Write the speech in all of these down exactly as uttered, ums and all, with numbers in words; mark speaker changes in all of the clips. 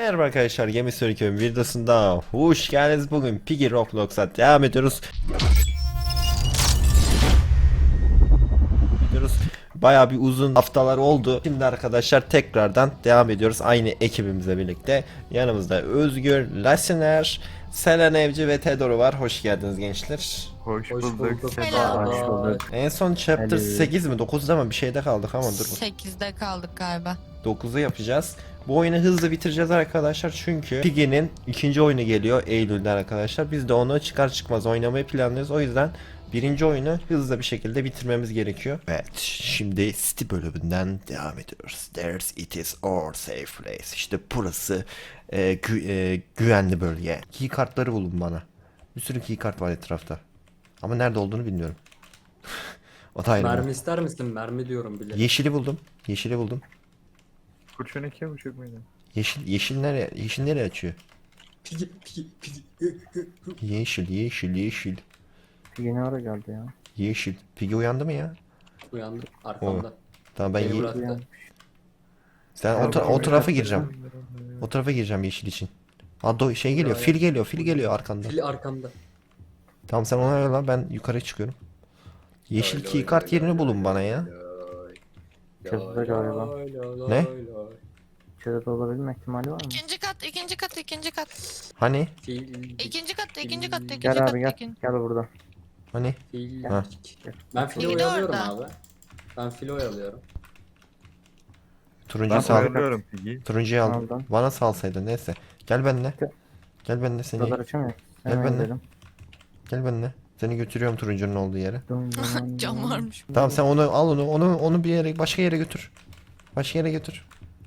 Speaker 1: Merhaba arkadaşlar, Gemi Sörüköy'ün videosunda hoş geldiniz. Bugün Piggy Roblox'a devam ediyoruz. Ediyoruz. Bayağı bir uzun haftalar oldu. Şimdi arkadaşlar tekrardan devam ediyoruz aynı ekibimizle birlikte. Yanımızda Özgür, Lasiner, Selen Evci ve Tedoro var. Hoş geldiniz gençler.
Speaker 2: Hoş,
Speaker 3: Hoş
Speaker 2: bulduk.
Speaker 3: bulduk.
Speaker 2: Seda.
Speaker 3: Hoş bulduk.
Speaker 1: En son chapter
Speaker 2: Hello.
Speaker 1: sekiz mi dokuzda mı bir şeyde kaldık ama dur.
Speaker 4: sekizde kaldık galiba.
Speaker 1: dokuzu yapacağız. Bu oyunu hızlı bitireceğiz arkadaşlar çünkü Piggy'nin ikinci oyunu geliyor Eylül'de arkadaşlar. Biz de onu çıkar çıkmaz oynamayı planlıyoruz. O yüzden birinci oyunu hızlı bir şekilde bitirmemiz gerekiyor. Evet, şimdi City bölümünden devam ediyoruz. There's it is our safe place. İşte burası e, gü- e, güvenli bölge. Key kartları bulun bana. Bir sürü key kart var etrafta. Ama nerede olduğunu bilmiyorum. O da ayrı.
Speaker 3: Mermi ister misin? Mermi diyorum bile.
Speaker 1: Yeşili buldum. Yeşili buldum.
Speaker 2: Kurşun iki buçuk muydu?
Speaker 1: Yeşil yeşil nereye yeşil nereye açıyor?
Speaker 3: Pigi pigi pigi.
Speaker 1: Yeşil yeşil yeşil
Speaker 5: Yeni ara geldi ya.
Speaker 1: yeşil. Piggy uyandı mı ya?
Speaker 3: Uyandı arkamda.
Speaker 1: Tamam ben
Speaker 3: Beni
Speaker 1: ye-
Speaker 3: bıraktı.
Speaker 1: sen o, ta- o tarafa gireceğim. O tarafa gireceğim yeşil için. Ha do- şey geliyor. Fil geliyor. Fil geliyor arkanda.
Speaker 3: Fil arkamda.
Speaker 1: Tamam sen ona yola, ben yukarı çıkıyorum. Yeşil key kart yerini bulun bana ya.
Speaker 5: Çatıda galiba.
Speaker 1: Ne?
Speaker 5: İçeride olabilme ihtimali var mı?
Speaker 4: İkinci kat, ikinci kat, ikinci kat.
Speaker 1: Hani?
Speaker 3: Fil.
Speaker 4: İkinci kat, ikinci kat, ikinci
Speaker 5: Gel
Speaker 4: kat,
Speaker 5: abi gel.
Speaker 4: ikinci.
Speaker 5: Gel burada.
Speaker 1: Hani?
Speaker 3: Fil.
Speaker 1: Ha.
Speaker 3: Ben fili
Speaker 4: Fil de
Speaker 3: oyalıyorum
Speaker 4: orada.
Speaker 3: abi. Ben fili oyalıyorum.
Speaker 1: Turuncu
Speaker 2: Ben
Speaker 1: sal.
Speaker 2: sayılıyorum Piggy.
Speaker 1: Turuncuyu aldım.
Speaker 5: Aldım.
Speaker 1: Bana salsaydın neyse. Gel benimle.
Speaker 5: Gel.
Speaker 1: Gel benimle seni.
Speaker 5: Buralar açamıyor.
Speaker 1: Gel
Speaker 5: Hemen
Speaker 1: benimle.
Speaker 5: gidelim.
Speaker 1: Gel benimle. Seni götürüyorum turuncunun olduğu yere.
Speaker 5: Dum, dum, dum,
Speaker 4: Cam
Speaker 5: dum.
Speaker 4: varmış.
Speaker 1: Tamam sen onu al onu onu onu bir yere başka yere götür. Başka yere götür.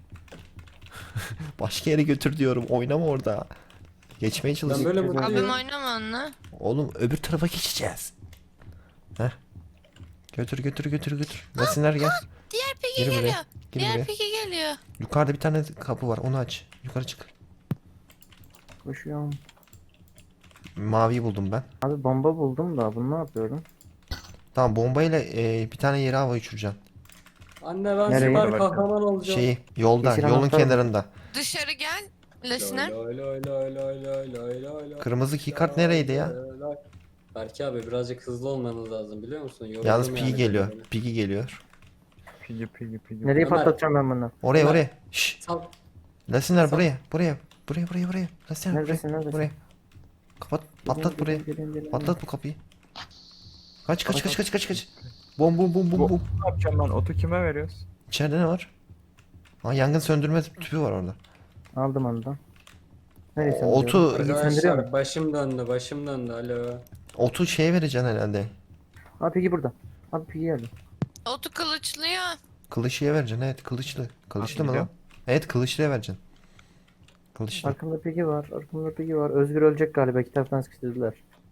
Speaker 1: Başka yere götür diyorum. Oynama orada. Geçmeye çalış.
Speaker 3: Ben böyle
Speaker 5: Güzel.
Speaker 4: Abim
Speaker 3: mutluyum.
Speaker 4: oynama onunla.
Speaker 1: Oğlum öbür tarafa geçeceğiz. Heh. Götür götür götür götür. Nesinler gel.
Speaker 4: Diğer Piggy
Speaker 1: Gir buraya.
Speaker 4: geliyor.
Speaker 1: Gir
Speaker 4: Diğer
Speaker 1: buraya.
Speaker 4: Piggy geliyor.
Speaker 1: Yukarıda bir tane kapı var. Onu aç. Yukarı çık.
Speaker 5: Koşuyorum.
Speaker 1: Maviyi buldum ben.
Speaker 5: Abi bomba buldum da bunu ne yapıyorum?
Speaker 1: Tamam bombayla e, bir tane yere hava uçuracaksın.
Speaker 3: Anne ben
Speaker 5: Nereye?
Speaker 3: süper kahraman olacağım.
Speaker 1: Şeyi yolda,
Speaker 5: Yeşil
Speaker 1: yolun
Speaker 5: anahtar mı?
Speaker 1: kenarında.
Speaker 4: Dışarı gel.
Speaker 3: Loy,
Speaker 4: Lesiner.
Speaker 3: loy, loy, loy, loy, loy, loy, loy, loy.
Speaker 1: Kırmızı keycard nereydi ya?
Speaker 3: Loy, loy. Berke abi birazcık hızlı olmanız lazım biliyor musun? Yoruldum
Speaker 1: Yalnız
Speaker 3: yani
Speaker 1: Piggy geliyor.
Speaker 3: böyle.
Speaker 1: Piggy geliyor.
Speaker 2: Piggy Piggy Piggy.
Speaker 5: Nereye
Speaker 3: Ömer.
Speaker 5: patlatacağım ben bunu?
Speaker 1: Oraya
Speaker 3: Ömer.
Speaker 1: oraya. Şşş.
Speaker 3: Sal.
Speaker 1: Lasinler
Speaker 3: Sal.
Speaker 1: buraya. Buraya. Buraya buraya buraya. Lasinler
Speaker 5: Neredesin,
Speaker 1: buraya.
Speaker 5: neredesin?
Speaker 1: Buraya. Kapat. Patlat buraya.
Speaker 5: Gelin, gelin, gelin.
Speaker 1: Patlat bu kapıyı. Kaç kaç kaç kaç kaç kaç. Bom bom bom bom
Speaker 2: Bu-
Speaker 1: bom.
Speaker 2: Ne yapacağım ben? Otu kime veriyoruz?
Speaker 1: İçeride ne var? Ha yangın söndürme tüpü var orada.
Speaker 5: Aldım onu da. Neresi?
Speaker 1: Otu
Speaker 5: söndürüyor
Speaker 3: Arkadaşlar
Speaker 5: mu?
Speaker 3: başım döndü başım döndü alo.
Speaker 1: otu şeye vereceksin herhalde.
Speaker 5: Abi Piggy burada. Abi Piggy geldi.
Speaker 4: Otu kılıçlıyor.
Speaker 1: Kılıçlıya vereceksin, evet, kılıçlı. Kılıçlı mı lan?
Speaker 2: biliyorum.
Speaker 1: Evet, kılıçlıya vereceksin. Kılıçlı.
Speaker 5: Arkamda Piggy var. Arkamda Piggy var. Özgür ölecek galiba. İki taraftan sıkıştırdılar.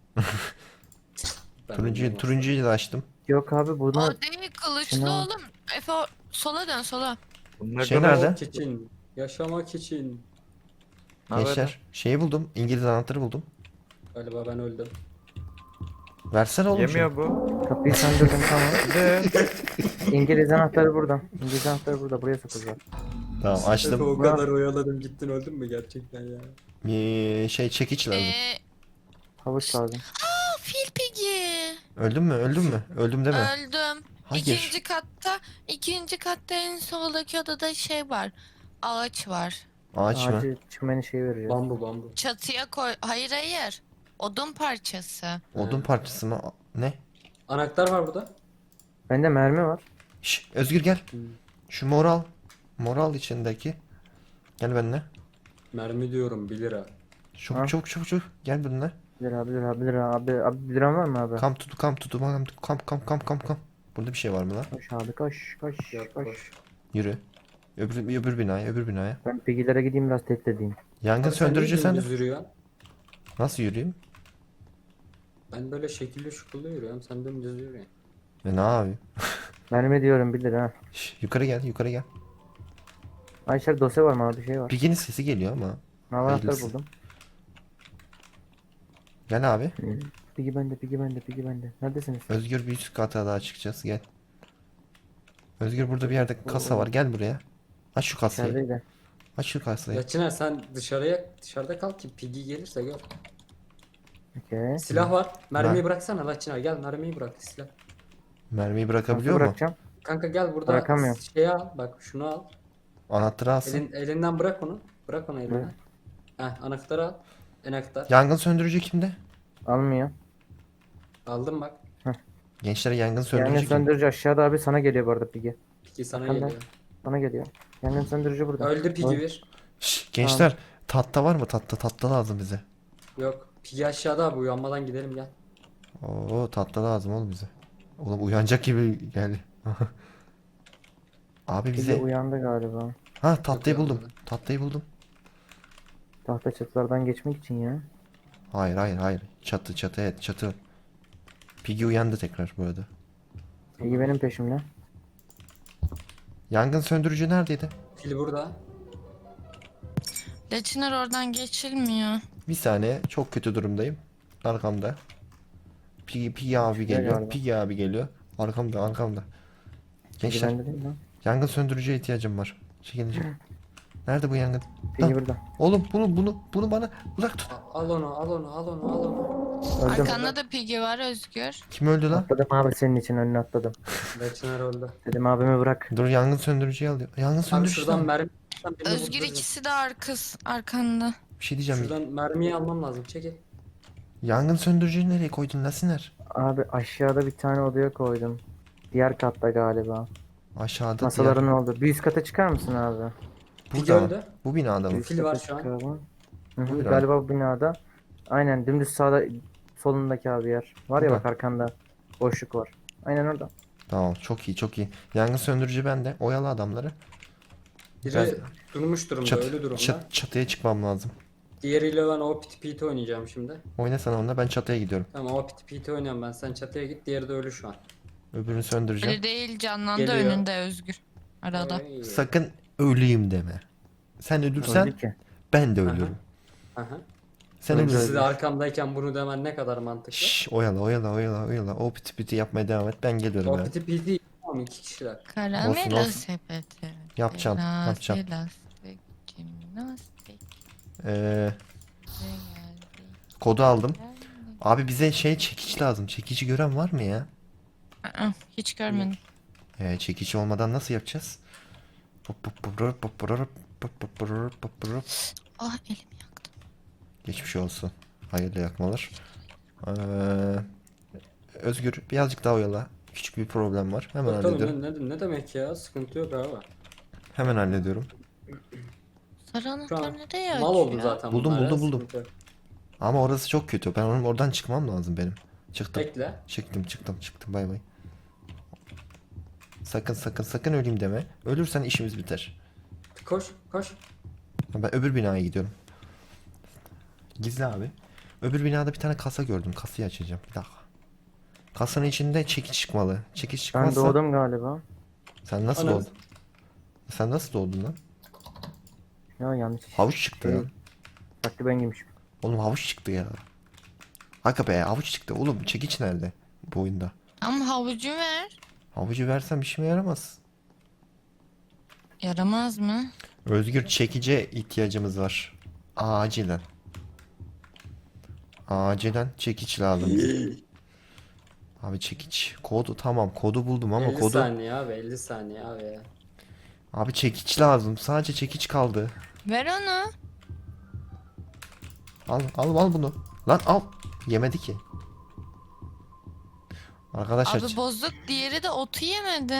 Speaker 3: Ben
Speaker 1: Turuncuyu,
Speaker 3: bilmiyorum
Speaker 1: turuncuyu da açtım.
Speaker 5: Yok abi bunu
Speaker 4: O değil kılıçlı
Speaker 5: Şuna-
Speaker 4: oğlum. Efe o- sola dön sola.
Speaker 2: Bunlar
Speaker 1: Şey
Speaker 2: kadar-
Speaker 1: nerede?
Speaker 3: Yaşamak için. Yaşamak için.
Speaker 2: Ne haber?
Speaker 1: Gençler, şeyi buldum. İngiliz anahtarı buldum.
Speaker 3: Galiba ben öldüm.
Speaker 1: Versene oğlum şunu.
Speaker 2: Yemiyor bu.
Speaker 5: kapıyı söndürdüm tamam.
Speaker 2: Bir de
Speaker 5: İngiliz anahtarı burada. İngiliz anahtarı burada. Buraya sokacağız.
Speaker 1: Tamam,
Speaker 3: Efe
Speaker 1: açtım.
Speaker 3: o kadar oyaladım gittin öldün mü gerçekten ya?
Speaker 1: Ee, şey çekiç lazım.
Speaker 4: Ee,
Speaker 5: Havuç lazım.
Speaker 4: Aa, Fil Piggy.
Speaker 1: Öldün mü? Öldün mü? Öldüm deme.
Speaker 4: Öldüm.
Speaker 1: Hayır.
Speaker 4: İkinci katta, ikinci katta en soldaki odada şey var. Ağaç var.
Speaker 1: Ağaç mı?
Speaker 5: Ağacı çimeni şey vereceğiz.
Speaker 3: Bambu bambu.
Speaker 4: Çatıya koy. Hayır hayır. Odun parçası.
Speaker 1: Odun parçası mı? Ne?
Speaker 3: Anahtar var burada.
Speaker 5: Bende mermi var.
Speaker 1: Şş, Özgür gel.
Speaker 3: Hmm.
Speaker 1: Şu moral. Moral içindeki. Gel benimle.
Speaker 3: Mermi diyorum bir lira.
Speaker 1: Çabuk
Speaker 5: Ha?
Speaker 1: çabuk çabuk çabuk. Gel benimle.
Speaker 5: Bir lira, bir lira, bir lira. Abi, abi bir liran var mı abi?
Speaker 1: Kam tutu kam tutu kam kam kam kam kam kam. Burada bir şey var mı lan?
Speaker 5: Koş abi koş, koş,
Speaker 3: Yap,
Speaker 5: koş.
Speaker 3: koş.
Speaker 1: Yürü. Öbür, öbür binaya, öbür binaya.
Speaker 5: Ben Piggy'lere gideyim biraz tehdit edeyim.
Speaker 1: Yangın
Speaker 3: Abi sen
Speaker 1: söndürücü
Speaker 3: niye
Speaker 1: sen de.
Speaker 3: dümdüz yürüyorsun?
Speaker 1: Nasıl yürüyeyim?
Speaker 3: Ben böyle şekilli şukullu yürüyorum. Sen dümdüz yürüyorsun.
Speaker 1: E ne yapayım?
Speaker 5: Mermi diyorum bir lira.
Speaker 1: Şş, yukarı gel, yukarı gel.
Speaker 5: Ayşer dosya var mı abi bir şey var.
Speaker 1: Piggy'nin sesi geliyor ama.
Speaker 5: Mavi anahtar
Speaker 1: hayırlısı.
Speaker 5: buldum.
Speaker 1: Gel abi.
Speaker 5: Piggy bende, Piggy bende, Piggy bende. Neredesiniz?
Speaker 1: Özgür bir üst kata daha çıkacağız. Gel. Özgür burada bir yerde kasa var. Gel buraya. Aç şu kasayı.
Speaker 5: İçerideydi.
Speaker 1: Aç şu kasayı.
Speaker 3: Ya Çınar sen dışarıya dışarıda kal ki Piggy gelirse gör.
Speaker 5: Okey.
Speaker 3: Silah var. Mermiyi
Speaker 1: Ben-
Speaker 3: bıraksana la Çınar, gel mermiyi bırak silah.
Speaker 1: Mermiyi
Speaker 5: Nasıl
Speaker 1: bırakabiliyor mu?
Speaker 5: bırakacağım?
Speaker 3: Kanka gel burada
Speaker 5: Bırakamıyorum.
Speaker 3: şeyi al, bak şunu al.
Speaker 1: Anahtarı alsın.
Speaker 3: Elin, elinden bırak onu. Bırak onu elinden.
Speaker 5: Evet.
Speaker 3: Heh, anahtarı al. Anahtar.
Speaker 1: Yangın söndürücü kimde?
Speaker 5: Almıyor.
Speaker 3: Aldım bak.
Speaker 1: Gençler yangın söndürücü
Speaker 5: Yangın
Speaker 1: kim?
Speaker 5: söndürücü aşağıda abi, sana geliyor bu arada Piggy.
Speaker 3: Piggy sana
Speaker 5: Arkanda.
Speaker 3: geliyor.
Speaker 5: Bana geliyor. Yangın söndürücü burada.
Speaker 3: Öldü Piggy
Speaker 5: Öl-
Speaker 3: bir.
Speaker 1: Şşş, gençler tatta var mı? Tatta tatta lazım bize.
Speaker 3: Yok. Piggy aşağıda abi, uyanmadan gidelim gel.
Speaker 1: Oo tatta lazım oğlum bize. Oğlum uyanacak gibi geldi. Abi
Speaker 5: Piggy
Speaker 1: bize...
Speaker 5: uyandı galiba.
Speaker 1: Ha tatlıyı
Speaker 3: Yok,
Speaker 1: buldum.
Speaker 3: yok.
Speaker 1: Tatlıyı buldum.
Speaker 5: Tahta çatılardan geçmek için ya.
Speaker 1: Hayır hayır hayır. Çatı çatı evet çatı. Piggy uyandı tekrar bu arada.
Speaker 5: Piggy benim peşimde.
Speaker 1: Yangın söndürücü neredeydi?
Speaker 3: Pil burada.
Speaker 4: Leçiner oradan geçilmiyor.
Speaker 1: Bir saniye çok kötü durumdayım. Arkamda. Piggy, Piggy abi geliyor.
Speaker 5: galiba.
Speaker 1: Piggy abi geliyor. Arkamda arkamda.
Speaker 5: Piggy
Speaker 1: Gençler
Speaker 5: bende değil mi?
Speaker 1: yangın söndürücüye ihtiyacım var. Çekilin çekilin. Nerede bu yangın?
Speaker 5: Piggy
Speaker 1: Lan,
Speaker 5: burada.
Speaker 1: oğlum bunu bunu bunu bana uzak tut.
Speaker 3: Al al onu, al onu, al onu, al onu.
Speaker 5: Öldüm.
Speaker 4: Arkanda da Piggy var Özgür.
Speaker 1: Kim öldü lan?
Speaker 5: Atladım abi, senin için önüne atladım.
Speaker 3: Ve Çınar öldü.
Speaker 5: Dedim abimi bırak.
Speaker 1: Dur yangın söndürücüyü alıyor. Yangın
Speaker 3: Abi
Speaker 1: söndürücüsü
Speaker 3: şuradan
Speaker 1: lan.
Speaker 3: mermi... birini
Speaker 4: Özgür
Speaker 3: vurduracağım.
Speaker 4: ikisi de arkası arkanda.
Speaker 1: Bir şey diyeceğim.
Speaker 3: Şuradan mermiyi almam lazım, çekil.
Speaker 1: Yangın söndürücüyü nereye koydun Lasiner?
Speaker 5: Abi aşağıda bir tane odaya koydum. Diğer katta galiba.
Speaker 1: Aşağıda
Speaker 5: Masaların
Speaker 1: diğer.
Speaker 5: oldu. Bir üst kata çıkar mısın abi?
Speaker 3: Piggy
Speaker 1: Burada mı?
Speaker 3: öldü.
Speaker 1: Bu binada mı?
Speaker 5: Üst
Speaker 3: Fil
Speaker 5: kata
Speaker 3: var şu an.
Speaker 5: çık abi. Hı hı,
Speaker 1: Buyur abi.
Speaker 5: galiba bu binada. Aynen dümdüz sağda solundaki abi yer. Var ya
Speaker 1: Burada.
Speaker 5: bak arkanda. Boşluk var. Aynen orada.
Speaker 1: Tamam çok iyi çok iyi. Yangın söndürücü bende. Oyalı adamları.
Speaker 3: Biri
Speaker 1: Ben-
Speaker 3: durmuş durumda,
Speaker 1: Çat,
Speaker 3: ölü durumda.
Speaker 1: çat- çatıya çıkmam lazım.
Speaker 3: Diğeriyle ben o piti piti oynayacağım şimdi.
Speaker 1: Oyna sen onunla ben çatıya gidiyorum.
Speaker 3: Tamam, o piti piti oynuyorum ben. Sen çatıya git, diğeri de ölü şu an.
Speaker 1: Öbürünü söndüreceğim.
Speaker 4: Öyle değil, canlandı
Speaker 3: Geliyor.
Speaker 4: önünde Özgür. Arada.
Speaker 3: Oy.
Speaker 1: Sakın öleyim deme. Sen ölürsen
Speaker 5: Öldü ki.
Speaker 1: ben de ölürüm.
Speaker 3: Aha.
Speaker 1: Sen
Speaker 5: Öldü.
Speaker 1: ölürsen.
Speaker 3: Siz de arkamdayken bunu demen ne kadar mantıklı.
Speaker 1: Şşş oyala oyala oyala oyala. O piti piti yapmaya devam et. Ben geliyorum
Speaker 3: O
Speaker 1: yani.
Speaker 3: piti piti tamam, iki kişiler.
Speaker 4: Karamela
Speaker 1: olsun.
Speaker 4: sepeti.
Speaker 1: Yapacağım,
Speaker 4: Biraz
Speaker 1: yapacağım.
Speaker 4: elastik, jimnastik,
Speaker 1: Ee,
Speaker 4: geldi,
Speaker 1: kodu aldım.
Speaker 4: geldi.
Speaker 1: Abi bize şey çekiç lazım. Çekici gören var mı ya?
Speaker 4: Aa, hiç görmedim.
Speaker 1: Ee, çekici olmadan nasıl yapacağız?
Speaker 4: Ah, elim yaktı.
Speaker 1: Geçmiş olsun. Hayırlı yakmalar. Ee, Özgür birazcık daha oyala. Küçük bir problem var. Hemen
Speaker 3: Yok, tamam,
Speaker 1: hallediyorum.
Speaker 3: ne, ne, ne demek ya, sıkıntı yok abi.
Speaker 1: Hemen hallediyorum.
Speaker 4: Sarı
Speaker 3: Şu an
Speaker 4: anahtar nereye
Speaker 3: mal
Speaker 4: açıyor?
Speaker 3: oldu zaten
Speaker 1: Buldum,
Speaker 3: bunlar ya,
Speaker 1: buldum, buldum.
Speaker 3: sıkıntı yok.
Speaker 1: Ama orası çok kötü. Ben onun oradan çıkmam lazım benim. Çıktım.
Speaker 3: Bekle.
Speaker 1: Çıktım çıktım çıktım bay bay. Sakın sakın sakın öleyim deme. Ölürsen işimiz biter.
Speaker 3: Koş koş.
Speaker 1: Ben öbür binaya gidiyorum. Gizli abi. Öbür binada bir tane kasa gördüm. Kasayı açacağım. Bir dakika. Kasanın içinde çekiç çıkmalı. Çekiç
Speaker 5: Ben
Speaker 1: çıkmazsa...
Speaker 5: doğdum galiba.
Speaker 1: Sen nasıl
Speaker 3: Anam.
Speaker 1: doğdun? Sen nasıl doğdun lan?
Speaker 5: Ya yanlış.
Speaker 1: Havuç çıktı
Speaker 5: Şey,
Speaker 1: lan.
Speaker 5: Farklı ben giymişim.
Speaker 1: Oğlum havuç çıktı ya. Aga be havuç çıktı. Oğlum çekiç nerede bu oyunda?
Speaker 4: Ama havucu ver.
Speaker 1: Havucu versem işime yaramaz.
Speaker 4: Yaramaz mı?
Speaker 1: Özgür çekice ihtiyacımız var. Acilen. Acilen çekiç lazım bize. Abi çekiç. Kodu tamam kodu buldum ama
Speaker 3: elli
Speaker 1: kodu.
Speaker 3: saniye abi, elli saniye abi ya.
Speaker 1: Abi çekiç lazım. Sadece çekiç kaldı.
Speaker 4: Ver onu.
Speaker 1: Al al al bunu. Lan al. Yemedi ki. Arkadaşlar
Speaker 4: Abi bozuk, diğeri de otu yemedi.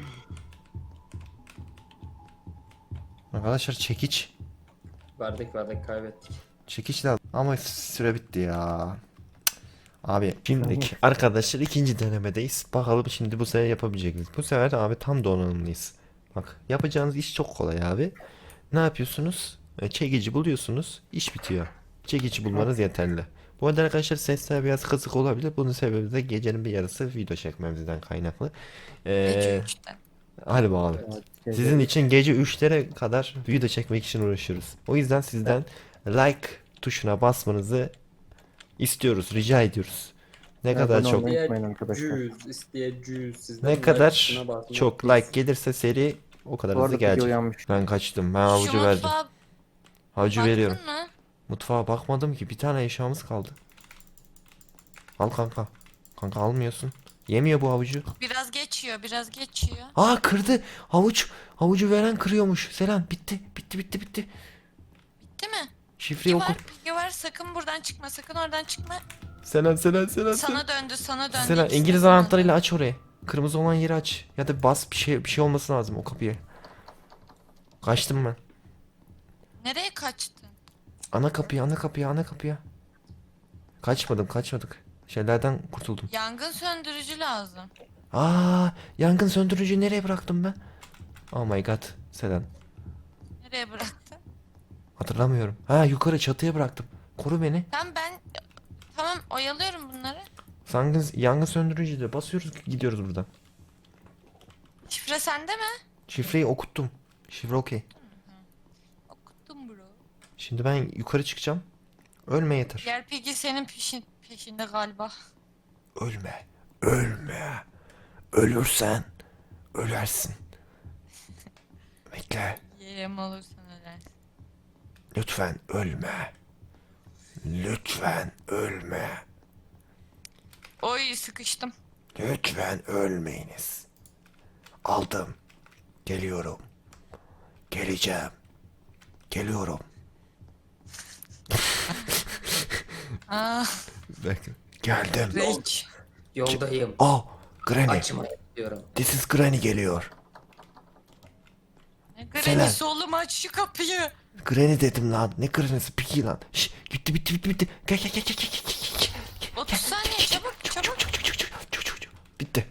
Speaker 1: arkadaşlar çekiç.
Speaker 3: Verdik verdik, kaybettik.
Speaker 1: Çekiç lazım. Ama süre bitti ya. Cık. Abi şimdiki arkadaşlar ikinci denemedeyiz. Bakalım şimdi bu sefer yapabilecek miyiz? Bu sefer abi tam donanımlıyız. Bak yapacağınız iş çok kolay abi. Ne yapıyorsunuz? E, Çekici buluyorsunuz. İş bitiyor. Çekici bulmanız yeterli. Bu arada arkadaşlar sesler biraz kısık olabilir. Bunun sebebi de gecenin bir yarısı video çekmemizden kaynaklı.
Speaker 4: Gece
Speaker 1: Ee,
Speaker 4: üçte.
Speaker 1: hadi bakalım.
Speaker 5: Evet.
Speaker 1: Sizin için gece üçlere kadar video çekmek için uğraşıyoruz. O yüzden sizden like tuşuna basmanızı istiyoruz, rica ediyoruz. Ne
Speaker 5: Evet,
Speaker 1: kadar
Speaker 5: abone
Speaker 1: çok
Speaker 5: olmayı unutmayın arkadaşlar.
Speaker 3: Cüz isteyeceğiz sizden.
Speaker 1: ne
Speaker 3: like
Speaker 1: kadar
Speaker 3: tuşuna basmayı
Speaker 1: çok
Speaker 3: unutmayın.
Speaker 1: like gelirse seri O kadar
Speaker 5: Bu
Speaker 1: hızlı
Speaker 5: arada Piggy
Speaker 1: gelecek.
Speaker 5: uyanmış.
Speaker 1: Ben kaçtım. Ben
Speaker 4: Şu
Speaker 1: havucu verdim.
Speaker 4: mutfağa
Speaker 1: Havucu
Speaker 4: baktın
Speaker 1: veriyorum.
Speaker 4: mı?
Speaker 1: Mutfağa bakmadım ki. Bir tane eşyamız kaldı. Al kanka. Kanka almıyorsun. Yemiyor bu havucu.
Speaker 4: Biraz geçiyor, biraz geçiyor.
Speaker 1: Aa kırdı. Havuç. Havucu veren kırıyormuş. Selam. Bitti. Bitti bitti bitti.
Speaker 4: Bitti mi?
Speaker 1: Şifreyi
Speaker 4: Piggy
Speaker 1: oku.
Speaker 4: var, Piggy var. Sakın buradan çıkma, sakın oradan çıkma.
Speaker 1: Selam selam selam.
Speaker 4: Sana döndü, sana döndü.
Speaker 1: Selam.
Speaker 4: ikisi de
Speaker 1: İngiliz
Speaker 4: sana
Speaker 1: anahtarıyla
Speaker 4: döndü.
Speaker 1: aç orayı. Kırmızı olan yeri aç. Ya da bas bir şey bir şey olması lazım o kapıya. Kaçtım ben.
Speaker 4: Nereye kaçtın?
Speaker 1: Ana kapıya, ana kapıya, ana kapıya. Kaçmadım, kaçmadık. Şeylerden kurtuldum.
Speaker 4: Yangın söndürücü lazım.
Speaker 1: Aa, yangın söndürücüyü nereye bıraktım ben? Oh my god, Selen.
Speaker 4: Nereye bıraktın?
Speaker 1: Hatırlamıyorum. Ha, yukarı çatıya bıraktım. Koru beni.
Speaker 4: Tamam ben... Tamam oyalıyorum bunları.
Speaker 1: Yangın, yangın söndürücüyle basıyoruz, gidiyoruz buradan.
Speaker 4: Şifre sende mi?
Speaker 1: Şifreyi okuttum. Şifre okey.
Speaker 4: Okuttum bro.
Speaker 1: Şimdi ben yukarı çıkacağım. Ölme yeter.
Speaker 4: Diğer Piggy senin peşin, peşinde galiba.
Speaker 1: Ölme. Ölme. Ölürsen ölersin. Bekle.
Speaker 4: Yerim olursan ölersin.
Speaker 1: Lütfen ölme. Lütfen ölme.
Speaker 4: Oy sıkıştım.
Speaker 1: Lütfen ölmeyiniz. Aldım. Geliyorum. Geleceğim. Geliyorum.
Speaker 4: Aa,
Speaker 1: Bekle. Geldim.
Speaker 4: rage.
Speaker 3: Yoldayım.
Speaker 1: Oh, Granny.
Speaker 3: Açma diyorum.
Speaker 1: This is Granny geliyor.
Speaker 4: Ne
Speaker 1: Selen.
Speaker 4: granny'si oğlum aç şu kapıyı.
Speaker 1: Granny dedim lan. Ne Granny'si? Piki lan. Şş, bitti bitti bitti bitti. Gel gel gel gel gel gel gel. gel.
Speaker 4: otuz saniye çabuk
Speaker 1: Çuk,
Speaker 4: çabuk.
Speaker 1: çuk, çuk, çuk, çuk, çuk, çuk, çuk. Bitti.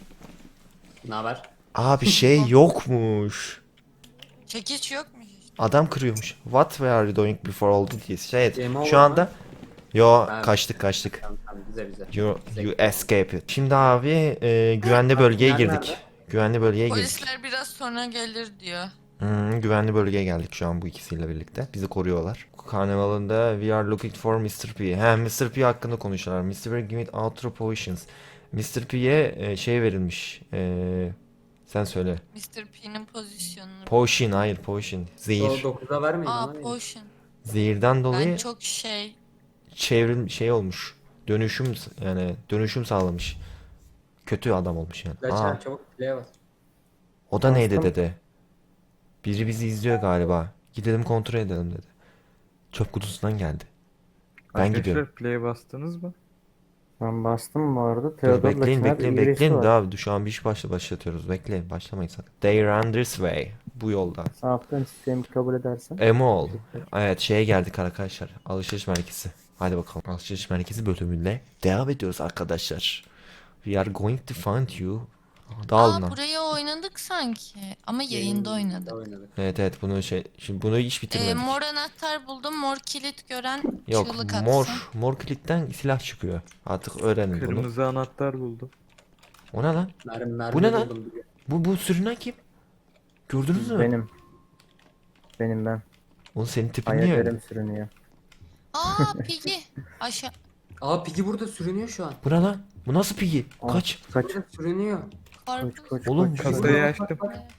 Speaker 3: Ne haber?
Speaker 1: Abi şey yokmuş.
Speaker 4: Çekiç yok mu hiç?
Speaker 1: Adam kırıyormuş. What were you doing before all this? Şey,
Speaker 3: Game over
Speaker 1: şu anda yo
Speaker 3: Ben-
Speaker 1: kaçtık kaçtık.
Speaker 3: Tamam tamam bize bize.
Speaker 1: You, you escape it. Şimdi abi e, güvenli bölgeye
Speaker 3: Nerede,
Speaker 1: girdik.
Speaker 3: nerede?
Speaker 1: Güvenli bölgeye girdik.
Speaker 4: Polisler biraz sonra gelir diyor.
Speaker 1: Hmm, güvenli bölgeye geldik şu an bu ikisiyle birlikte. Bizi koruyorlar. Karnavalında we are looking for mister P. He, mister P hakkında konuşuyorlar. mister P give it outro potions. mister P'ye e, şey verilmiş. E, sen söyle.
Speaker 4: mister P'nin pozisyonunu.
Speaker 1: Potion, hayır potion. Zehir.
Speaker 3: dokuza vermeyin
Speaker 4: Aa
Speaker 3: ama.
Speaker 4: potion.
Speaker 1: Zehirden dolayı
Speaker 4: Ben çok şey.
Speaker 1: çevrim şey olmuş. Dönüşüm yani dönüşüm sağlamış. Kötü adam olmuş yani. Aa,
Speaker 3: Kaçar çabuk play'e bas.
Speaker 1: o da neydi
Speaker 5: Bastım.
Speaker 1: dedi. Biri bizi izliyor galiba. Gidelim kontrol edelim dedi. Çöp kutusundan geldi. Ben
Speaker 2: Arkadaşlar
Speaker 1: gidiyorum.
Speaker 2: play bastınız mı?
Speaker 5: Ben bastım bu arada.
Speaker 1: Dur,
Speaker 5: Theodor'la
Speaker 1: bekleyin
Speaker 5: Çınar
Speaker 1: bekleyin
Speaker 5: iyi birisi
Speaker 1: bekleyin
Speaker 5: var.
Speaker 1: de abi şu an bir iş başla başlatıyoruz. Bekleyin başlamayın sakın. They run this way. Bu yolda.
Speaker 5: Sağlıktan sistemi kabul edersen.
Speaker 1: Emol. Evet şeye geldik arkadaşlar. Alışveriş merkezi. Hadi bakalım. Alışveriş merkezi bölümüyle devam ediyoruz arkadaşlar. We are going to find you. Dağılın
Speaker 4: Aa
Speaker 1: lan.
Speaker 4: burayı oynadık sanki. Ama yayında oynadık.
Speaker 3: oynadık.
Speaker 1: Evet evet bunu şey şimdi bunu hiç
Speaker 4: Ee,
Speaker 1: bitirmedik.
Speaker 4: mor anahtar buldum. Mor kilit gören
Speaker 1: Yok
Speaker 4: çığlık atsın.
Speaker 1: mor mor kilitten silah çıkıyor. Artık öğrenin bunu.
Speaker 2: Kırmızı anahtar buldum.
Speaker 1: O ne lan?
Speaker 3: Mermi mermi
Speaker 1: Bu ne lan?
Speaker 3: buldum.
Speaker 1: Bu bu sürünen kim? Gördünüz mü?
Speaker 5: Benim. Benim ben.
Speaker 1: Oğlum senin tipin niye öyle?
Speaker 5: Hayallerim sürünüyor.
Speaker 4: Aa Piggy. Aşağı.
Speaker 3: Aa Piggy burada sürünüyor şu an.
Speaker 1: Bu ne lan? Bu nasıl pigi?
Speaker 5: Aa,
Speaker 1: Kaç?
Speaker 5: Kaç.
Speaker 3: Burada sürünüyor.
Speaker 5: Koç
Speaker 4: Karpuz.
Speaker 5: koç
Speaker 1: Oğlum,
Speaker 5: koç.
Speaker 2: Kasayı açtım.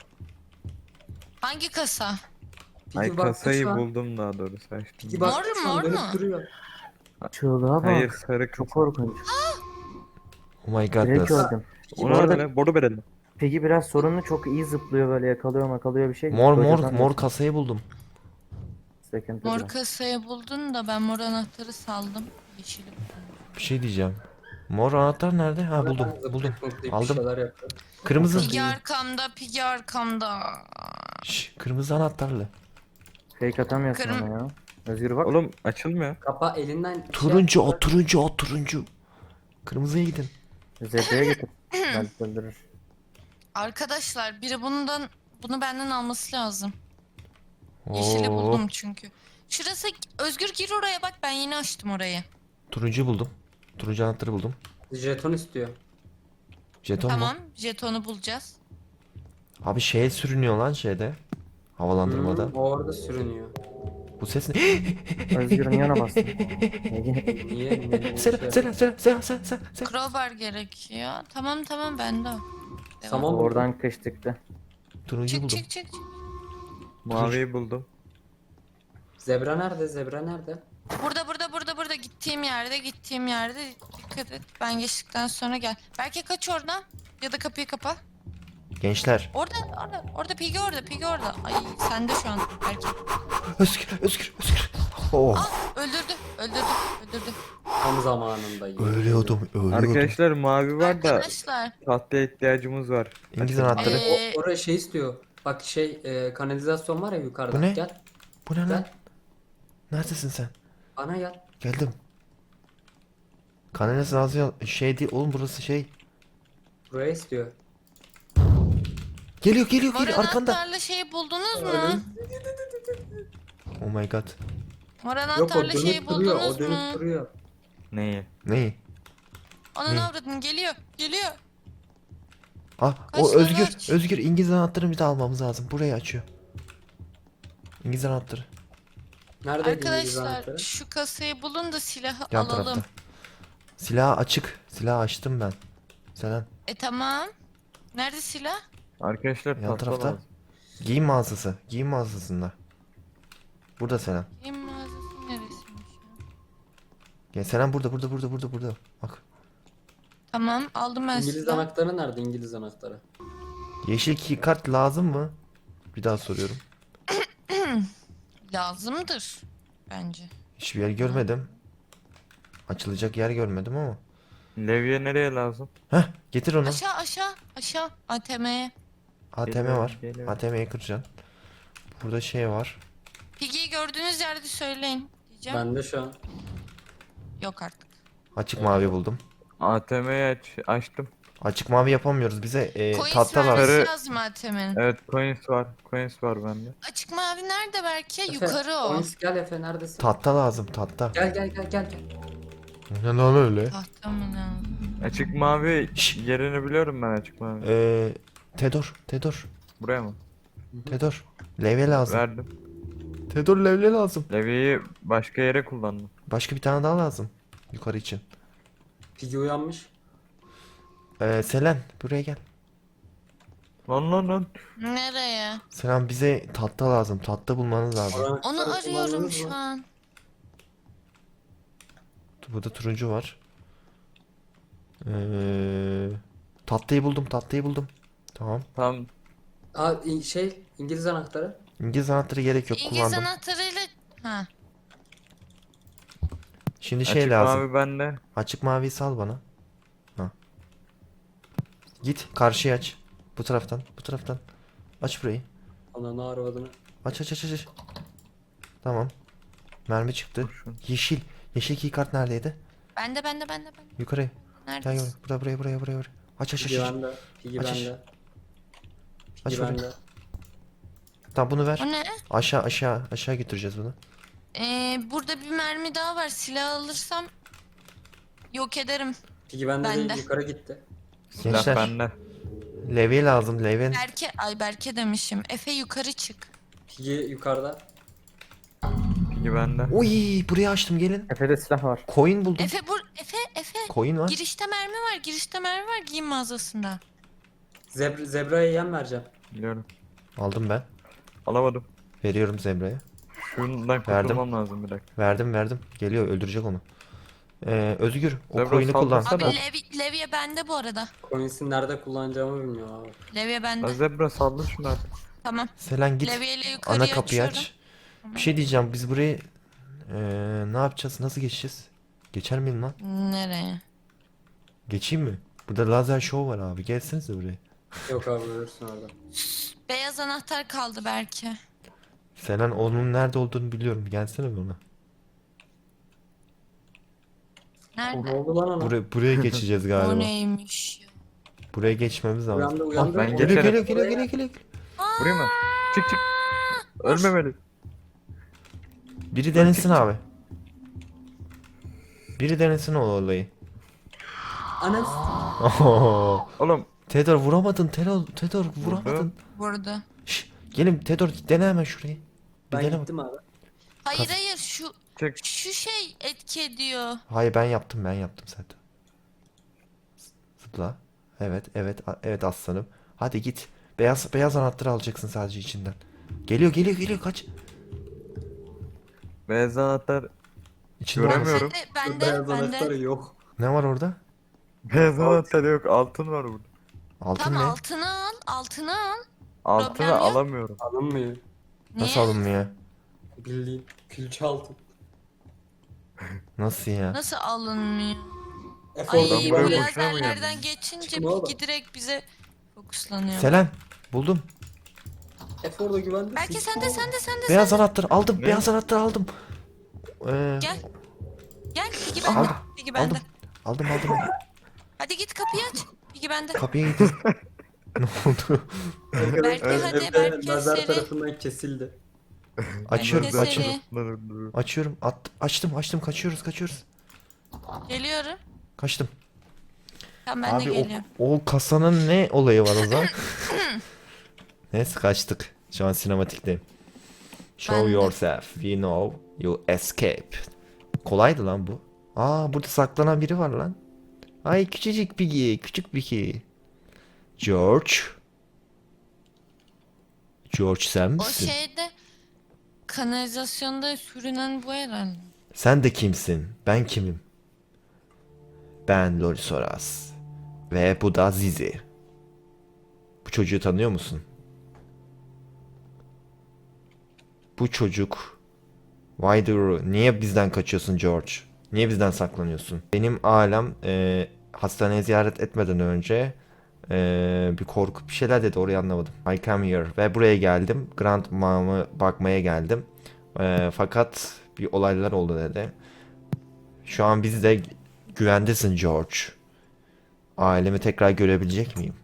Speaker 4: Hangi kasa?
Speaker 3: Piggy
Speaker 2: Ay
Speaker 3: baktı
Speaker 2: kasayı
Speaker 3: şu an.
Speaker 2: buldum daha doğrusu açtım.
Speaker 3: Piggy
Speaker 4: Mor
Speaker 3: baktı şu an
Speaker 4: mor
Speaker 3: dönüp
Speaker 4: mu?
Speaker 3: duruyor.
Speaker 5: Çığlığa bak.
Speaker 2: Hayır sarı
Speaker 5: Çok
Speaker 2: kasa.
Speaker 5: korkunç.
Speaker 1: Oh my
Speaker 5: Direkt
Speaker 1: godness.
Speaker 5: gördüm.
Speaker 2: O
Speaker 5: Bu arada-
Speaker 2: ne lan? Boru verelim.
Speaker 5: Peki biraz sorunlu, çok iyi zıplıyor, böyle yakalıyor makalıyor bir şey.
Speaker 1: Mor mor
Speaker 5: Kocaman
Speaker 1: mor
Speaker 5: bir
Speaker 1: kasayı buldum.
Speaker 5: sıkıntı
Speaker 4: Mor
Speaker 5: biraz.
Speaker 4: kasayı buldun da ben mor anahtarı saldım. Yeşili buldum.
Speaker 1: Bir şey diyeceğim. Mor anahtar nerede? Ha buldum.
Speaker 3: Zıplayıp
Speaker 1: Buldum.
Speaker 3: zıplayıp bir
Speaker 1: Aldım.
Speaker 3: şeyler yapıyor.
Speaker 1: Kırmızı.
Speaker 4: Piggy arkamda, Piggy arkamda.
Speaker 1: Şş, kırmızı anahtarlı.
Speaker 5: Fake atamıyorsun
Speaker 4: Kırm-
Speaker 5: ona ya. Özgür bak.
Speaker 2: Oğlum açılmıyor.
Speaker 3: Kapa elinden şey
Speaker 1: Turuncu
Speaker 3: yapıyor.
Speaker 1: o turuncu o turuncu. Kırmızıya gidin.
Speaker 5: Zepeye getir. Belki öldürür.
Speaker 4: Arkadaşlar biri bundan bunu benden alması lazım. Yeşili
Speaker 1: Oo,
Speaker 4: buldum çünkü. Şurası Özgür gir oraya bak, ben yeni açtım orayı.
Speaker 1: turuncu buldum. Turuncu anahtarı buldum.
Speaker 3: Jeton istiyor.
Speaker 1: Jeton mu?
Speaker 4: Tamam, jetonu bulacağız.
Speaker 1: Abi şey sürünüyor lan şeyde. Havalandırmada.
Speaker 3: Hı, o orada sürünüyor.
Speaker 1: Bu ses ne?
Speaker 5: Özgür'ün yana bastım.
Speaker 3: Niye? Niye?
Speaker 1: Selen Selen Selen Selen Selen Selen.
Speaker 4: Crowbar gerekiyor. Tamam tamam bende o. Devam.
Speaker 3: Saman buldum.
Speaker 5: Oradan kıştıktı.
Speaker 1: Turuncuyu
Speaker 4: Çık
Speaker 1: buldum.
Speaker 4: çık çık. çık.
Speaker 2: Maviyi buldum.
Speaker 3: Zebra nerede? Zebra nerede?
Speaker 4: Burada burada burada burada gittiğim yerde gittiğim yerde dikkat et. Ben geçtikten sonra gel. Belki kaç oradan ya da kapıyı kapa.
Speaker 1: Gençler.
Speaker 4: Orada orada orada Pigi orada Pigi orada. Ay sende şu an belki.
Speaker 1: Özgür, Özgür, Özgür. Oh.
Speaker 4: Ah öldürdü öldürdü öldürdü.
Speaker 3: Tam zamanında. yemin
Speaker 1: Ölüyordum, ölüyordum.
Speaker 2: Arkadaşlar mavi var da
Speaker 4: Arkadaşlar
Speaker 2: tahtaya ihtiyacımız var.
Speaker 1: İngiliz
Speaker 2: Açın.
Speaker 1: anahtarı.
Speaker 3: ediyorum.
Speaker 4: Ee,
Speaker 3: O, oraya şey istiyor. Bak şey e, kanalizasyon var ya yukarıda.
Speaker 1: Bu ne?
Speaker 3: Gel.
Speaker 1: Bu ne lan?
Speaker 3: Gel.
Speaker 1: Neredesin sen?
Speaker 3: Bana gel.
Speaker 1: Geldim. Kanalizasyon şey değil oğlum, burası şey.
Speaker 3: Buraya istiyor.
Speaker 1: Geliyor, geliyor,
Speaker 4: mor
Speaker 1: geliyor arkanda.
Speaker 4: anahtarlı şeyi buldunuz mu?
Speaker 3: Önüm.
Speaker 1: Oh my god.
Speaker 4: Mor
Speaker 3: Yok o
Speaker 4: anahtarlı şeyi
Speaker 3: dönüp duruyor. O
Speaker 4: buldunuz
Speaker 3: dönüp
Speaker 4: mu?
Speaker 3: duruyor.
Speaker 2: Neyi?
Speaker 1: Neyi?
Speaker 4: Onun
Speaker 1: Ne?
Speaker 4: avradın geliyor geliyor.
Speaker 1: Ah,
Speaker 4: Kaç
Speaker 1: o
Speaker 4: tane
Speaker 1: Özgür,
Speaker 4: aç?
Speaker 1: Özgür İngiliz anahtarını bir de almamız lazım. Burayı açıyor. İngiliz anahtarı.
Speaker 3: Neredeydi İngiliz
Speaker 4: Arkadaşlar
Speaker 3: anahtarı?
Speaker 4: şu kasayı bulun da silahı
Speaker 1: Yan
Speaker 4: alalım.
Speaker 1: tarafta. Silah açık. Silah açtım ben. Selen.
Speaker 4: E tamam. Nerede silah?
Speaker 2: Arkadaşlar
Speaker 1: Yan
Speaker 2: tahta
Speaker 1: tarafta.
Speaker 2: lazım.
Speaker 1: Giyim mağazası. Giyim mağazasında. Burada Selen.
Speaker 4: Kim mağazası neresiymiş ya?
Speaker 1: Gel Selen, burada, burada, burada, burada, burada. Bak.
Speaker 4: Tamam aldım ben
Speaker 3: İngiliz
Speaker 4: silahı.
Speaker 3: anahtarı nerede? İngiliz anahtarı.
Speaker 1: Yeşil key kart lazım mı? Bir daha soruyorum.
Speaker 4: Lazımdır bence.
Speaker 1: Hiçbir yer görmedim. Açılacak yer görmedim ama.
Speaker 2: Levye nereye lazım?
Speaker 1: Heh, getir onu.
Speaker 4: Aşağı aşağı aşağı A T M'ye.
Speaker 1: A T M
Speaker 2: Geliyorum,
Speaker 1: var.
Speaker 2: geliyorum.
Speaker 1: A T M'yi kıracaksın. Burada şey var.
Speaker 4: Piggy'yi gördüğünüz yerde söyleyin diyeceğim.
Speaker 3: Ben de şu an.
Speaker 4: Yok artık.
Speaker 1: Açık mavi buldum.
Speaker 2: A T M'yi aç, açtım.
Speaker 1: Açık mavi yapamıyoruz. Bize e,
Speaker 4: Coins
Speaker 1: tahta
Speaker 4: vermesi
Speaker 1: lazım.
Speaker 2: Sarı-
Speaker 4: lazım A T M'nin.
Speaker 2: Evet coins var. Coins var bende.
Speaker 4: Açık mavi nerede belki?
Speaker 3: Efe,
Speaker 4: Yukarı o.
Speaker 3: Oyuncu gel Efe neredesin?
Speaker 1: Tahta lazım, tahta.
Speaker 3: Gel gel gel gel. gel.
Speaker 1: Ne lan öyle?
Speaker 4: Tahta mı lazım?
Speaker 2: Açık mavi
Speaker 1: Şşş.
Speaker 2: yerini biliyorum ben açık mavi.
Speaker 1: Ee, Tedor, Tedor,
Speaker 2: Buraya mı?
Speaker 1: Tedor. Levye lazım.
Speaker 2: Verdim.
Speaker 1: Tedor levye lazım.
Speaker 2: Levyeyi başka yere kullandım.
Speaker 1: Başka bir tane daha lazım. Yukarı için.
Speaker 3: Piggy uyanmış.
Speaker 1: Ee, Selen buraya gel.
Speaker 2: Lan lan lan.
Speaker 4: Nereye?
Speaker 1: Selen bize tahta lazım. Tahta bulmanız lazım.
Speaker 3: Oranı-
Speaker 4: Onu
Speaker 3: Oranı
Speaker 4: arıyorum
Speaker 3: kullandınız
Speaker 4: şu
Speaker 3: mı?
Speaker 4: an.
Speaker 1: Burada turuncu var. Ee, tahtayı buldum, tahtayı buldum. Tamam.
Speaker 2: Tam
Speaker 3: Aa in- şey İngiliz anahtarı.
Speaker 1: İngiliz anahtarı gerek yok,
Speaker 4: İngiliz
Speaker 1: kullandım.
Speaker 4: anahtarıyla... Ha.
Speaker 1: Şimdi şey
Speaker 2: açık
Speaker 1: lazım.
Speaker 2: mavi bende.
Speaker 1: Açık maviyi sal bana. Ha. Git karşıya aç. Bu taraftan, bu taraftan. Aç burayı.
Speaker 3: Ananı arvadını.
Speaker 1: Aç aç aç aç, aç. Tamam. Mermi çıktı.
Speaker 2: Kurşun.
Speaker 1: Yeşil. Yeşil key kart neredeydi?
Speaker 4: Bende bende bende bende.
Speaker 1: Yukarı. Gel gel.
Speaker 4: Neredesin?
Speaker 1: Burada, buraya buraya buraya buraya. Aç aç aç.
Speaker 3: Piggy
Speaker 1: aç.
Speaker 3: bende. Piggy
Speaker 1: Aç, aç.
Speaker 3: bende.
Speaker 1: Aç
Speaker 3: Piggy
Speaker 1: orayı.
Speaker 3: bende.
Speaker 1: Tamam, bunu ver.
Speaker 4: O ne?
Speaker 1: Aşağı aşağı aşağı götüreceğiz bunu.
Speaker 4: Ee, burada bir mermi daha var. Silah alırsam yok ederim.
Speaker 3: Piggy bende
Speaker 4: Bende.
Speaker 3: değil yukarı gitti.
Speaker 2: Silah
Speaker 1: Gençler.
Speaker 2: bende.
Speaker 1: Levye lazım. Levye.
Speaker 4: Berke, ay Berke demişim. Efe yukarı çık.
Speaker 3: Piggy yukarıda.
Speaker 2: Piggy bende.
Speaker 1: Uy, burayı açtım, gelin.
Speaker 5: Efe'de silah var.
Speaker 1: Coin buldum.
Speaker 4: Efe bur Efe Efe.
Speaker 1: Coin var.
Speaker 4: Girişte mermi var. Girişte mermi var giyim mağazasında.
Speaker 3: Zebra, zebraya yem vereceğim.
Speaker 2: Biliyorum.
Speaker 1: Aldım ben.
Speaker 2: Alamadım.
Speaker 1: Veriyorum Zebra'ya.
Speaker 2: Şundan
Speaker 1: Verdim.
Speaker 2: kurtulmam lazım bir dakika.
Speaker 1: Verdim verdim. Geliyor, öldürecek onu. Ee, Özgür o
Speaker 2: Zebra,
Speaker 1: coin'i kullan.
Speaker 2: saldırsana.
Speaker 4: Abi
Speaker 1: O-
Speaker 4: Levi, Levye bende bu arada.
Speaker 3: Coins'i nerede kullanacağımı bilmiyorum abi.
Speaker 4: Levye
Speaker 2: Lan
Speaker 4: bende.
Speaker 2: zebra saldır şunu artık.
Speaker 4: Tamam.
Speaker 1: Selen git.
Speaker 4: Levyeyle yukarıya
Speaker 1: Ana kapıyı
Speaker 4: açıyorum.
Speaker 1: aç. Bir şey diyeceğim. Biz burayı ee, ne yapacağız? Nasıl geçeceğiz? Geçer miyim lan?
Speaker 4: Nereye?
Speaker 1: Geçeyim mi? Burada lazer show var abi. Gelsenize buraya.
Speaker 3: Yok abi ölürsün orada.
Speaker 4: Beyaz anahtar kaldı belki.
Speaker 1: Selen onun nerede olduğunu biliyorum. Gelsene bana.
Speaker 3: O ne
Speaker 4: Nerede?
Speaker 3: oldu lan ona?
Speaker 1: Buraya, buraya geçeceğiz
Speaker 4: O
Speaker 1: galiba.
Speaker 4: neymiş ya?
Speaker 1: Buraya geçmemiz lazım.
Speaker 3: Uyandı uyandı.
Speaker 2: ben
Speaker 1: Geliyor
Speaker 2: geçerim.
Speaker 1: geliyor geliyor geliyor geliyor.
Speaker 2: Vurayım mı? Çık çık. Ölmemeli.
Speaker 1: Biri denesin abi. Biri denesin o olayı.
Speaker 3: Anas.
Speaker 1: Oho.
Speaker 2: Oğlum
Speaker 1: Tedor vuramadın. Tedor, Tedor vuramadın.
Speaker 4: Burada.
Speaker 1: Şş, gelin Tedor, dene hemen şurayı. Bir
Speaker 3: Ben
Speaker 1: dene bak.
Speaker 3: gittim abi.
Speaker 4: Hayır
Speaker 1: Kas-
Speaker 4: hayır şu
Speaker 2: çık.
Speaker 4: şu şey etki ediyor.
Speaker 1: Hayır, ben yaptım ben yaptım zaten. Zıpla. Evet evet a- evet aslanım. Hadi git. Beyaz beyaz anahtarı alacaksın sadece içinden. Geliyor geliyor geliyor kaç.
Speaker 2: Beyaz anahtar.
Speaker 1: İçinde
Speaker 2: Göremiyorum.
Speaker 1: olmaz.
Speaker 4: Bende, bende,
Speaker 3: Beyaz
Speaker 4: bende.
Speaker 3: anahtarı yok.
Speaker 1: Ne var orada?
Speaker 2: Beyaz anahtar yok. Altın var burada.
Speaker 1: Altın
Speaker 4: Tamam
Speaker 1: ne?
Speaker 4: altını al, altını al.
Speaker 2: Altını
Speaker 4: Problem yok.
Speaker 2: alamıyorum.
Speaker 3: Alınmıyor.
Speaker 1: Nasıl
Speaker 4: Niye?
Speaker 1: alınmıyor?
Speaker 3: Bildiğin külçe altın.
Speaker 1: Nasıl ya?
Speaker 4: Nasıl alınmıyor?
Speaker 3: Efe
Speaker 4: Ay
Speaker 3: orada
Speaker 2: Ben
Speaker 4: bu
Speaker 2: buraya
Speaker 3: güvenli.
Speaker 2: boşuna mı
Speaker 4: lazerlerden
Speaker 2: geldim?
Speaker 4: geçince
Speaker 3: Çıkma oğlum.
Speaker 4: Piggy direkt bize fokuslanıyor.
Speaker 1: Selen buldum.
Speaker 3: Efe orada güvende.
Speaker 4: Belki sen de sen de sen de
Speaker 1: Beyaz
Speaker 4: sen de.
Speaker 1: anahtar aldım.
Speaker 2: Ne?
Speaker 1: Beyaz anahtar aldım. Ee,
Speaker 4: Gel. Gel Piggy bende.
Speaker 1: Aldım.
Speaker 4: Piggy bende.
Speaker 1: aldım. Aldım aldım.
Speaker 4: Hadi git kapıyı aç. Piggy bende.
Speaker 1: Kapıya gittim. Ne oldu?
Speaker 4: Belki
Speaker 2: Evet.
Speaker 4: hadi
Speaker 3: Efe
Speaker 4: belki
Speaker 3: nazar
Speaker 4: seri.
Speaker 3: tarafından kesildi.
Speaker 1: Açıyorum
Speaker 4: Belki
Speaker 1: açıyorum.
Speaker 4: seri.
Speaker 1: Açıyorum. At, açtım açtım kaçıyoruz kaçıyoruz.
Speaker 4: Geliyorum.
Speaker 1: Kaçtım.
Speaker 4: Tamam ben de
Speaker 1: Abi
Speaker 4: geliyorum.
Speaker 1: o, o kasanın ne olayı var o zaman? Neyse kaçtık. Şu an sinematikteyim. Show
Speaker 4: Ben de.
Speaker 1: yourself. We know you escape. Kolaydı lan bu. Aa burada saklanan biri var lan. Ay küçücük Piggy. Küçük Piggy. George. George sen
Speaker 4: O
Speaker 1: misin?
Speaker 4: şeyde kanalizasyonda sürünen bu herhalde.
Speaker 1: Sen de kimsin? Ben kimim? Ben Lorisoras. Ve bu da Zizi. Bu çocuğu tanıyor musun? Bu çocuk. Why do you... Niye bizden kaçıyorsun George? Niye bizden saklanıyorsun? Benim ailem e, hastaneye ziyaret etmeden önce e, bir korku bir şeyler dedi, orayı anlamadım. I come here ve buraya geldim. Grandma'mı bakmaya geldim. E, fakat bir olaylar oldu dedi. Şu an biz de güvendesin George. Ailemi tekrar görebilecek miyim?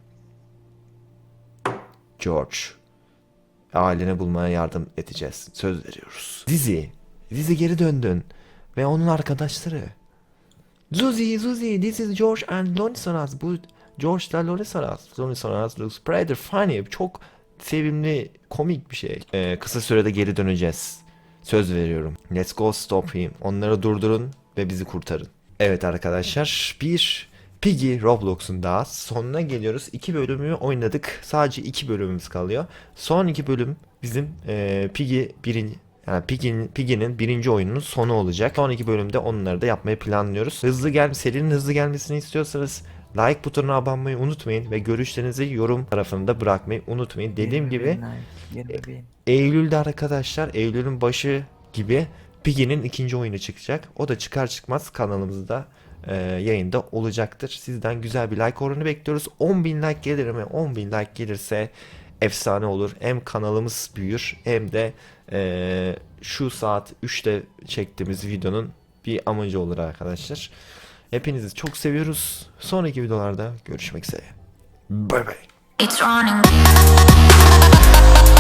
Speaker 1: George. Aileni bulmaya yardım edeceğiz. Söz veriyoruz. Zizi. Zizi geri döndün. Ve onun arkadaşları. Zuzi, Zuzi, this is George and Lonisoras. Bu George da Lonisoras. Lonisoras looks pretty funny. Çok sevimli, komik bir şey. Ee, kısa sürede geri döneceğiz. Söz veriyorum. Let's go stop him. Onları durdurun ve bizi kurtarın. Evet arkadaşlar, bir Piggy Roblox'un daha sonuna geliyoruz. İki bölümü oynadık. Sadece iki bölümümüz kalıyor. Son iki bölüm bizim e, Piggy birinci yani Piggy'nin Piggy'nin birinci oyununun sonu olacak. Son iki bölümde onları da yapmayı planlıyoruz. Hızlı gel serinin hızlı gelmesini istiyorsanız like butonuna abone olmayı unutmayın ve görüşlerinizi yorum tarafında bırakmayı unutmayın. Dediğim gibi
Speaker 2: yirmi bin.
Speaker 1: Eylül'de arkadaşlar, Eylül'ün başı gibi Piggy'nin ikinci oyunu çıkacak. O da çıkar çıkmaz kanalımızda e, yayında olacaktır. Sizden güzel bir like oranı bekliyoruz. on bin like gelir mi? on bin like gelirse efsane olur. Hem kanalımız büyür hem de e, şu saat üçte çektiğimiz videonun bir amacı olur arkadaşlar. Hepinizi çok seviyoruz. Sonraki videolarda görüşmek üzere. Bye bye.
Speaker 4: It's running.